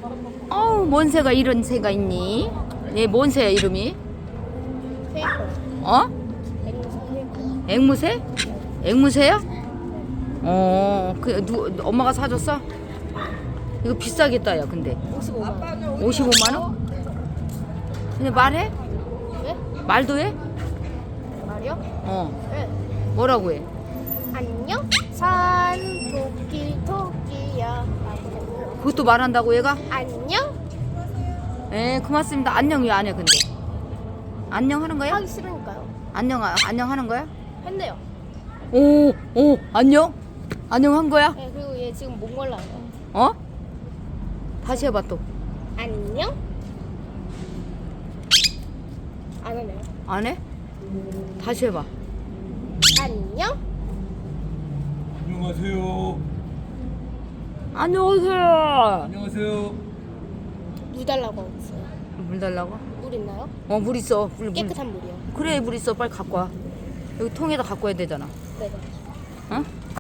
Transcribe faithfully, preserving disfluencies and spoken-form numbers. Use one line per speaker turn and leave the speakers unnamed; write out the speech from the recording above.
어우, 뭔 새가 이런 새가 있니? 얘 뭔 새야 이름이?
페이커.
어? 앵무새? 앵무새야? 어, 그 누 엄마가 사줬어? 이거 비싸겠다 야 근데.
오십오만 원.
오십오만 원? 근데 말해?
네?
말도 해?
말이요?
어.
네.
뭐라고 해?
안녕? 산 토끼 토끼야. 라고.
그것도 말한다고 얘가?
안녕?
에, 고맙습니다. 안녕 왜 안 해 근데? 안녕 하는 거야?
하기 싫으니까요.
안녕 아- 안녕 하는 거야?
했네요.
오, 오, 안녕? 안녕 한 거야?
네, 그리고 얘 지금 몽골라요.
어? 다시 해봐 또.
안녕? 안 하네요.
안 해? 다시 해봐.
안녕?
안녕하세요.
안녕하세요.
안녕하세요.
물 달라고 하고 있어요.
물 달라고?
물 있나요?
어, 물 있어. 물, 물.
깨끗한 물이요.
그래, 물 있어. 빨리 갖고 와. 여기 통에다 갖고 와야 되잖아.
네네.
어?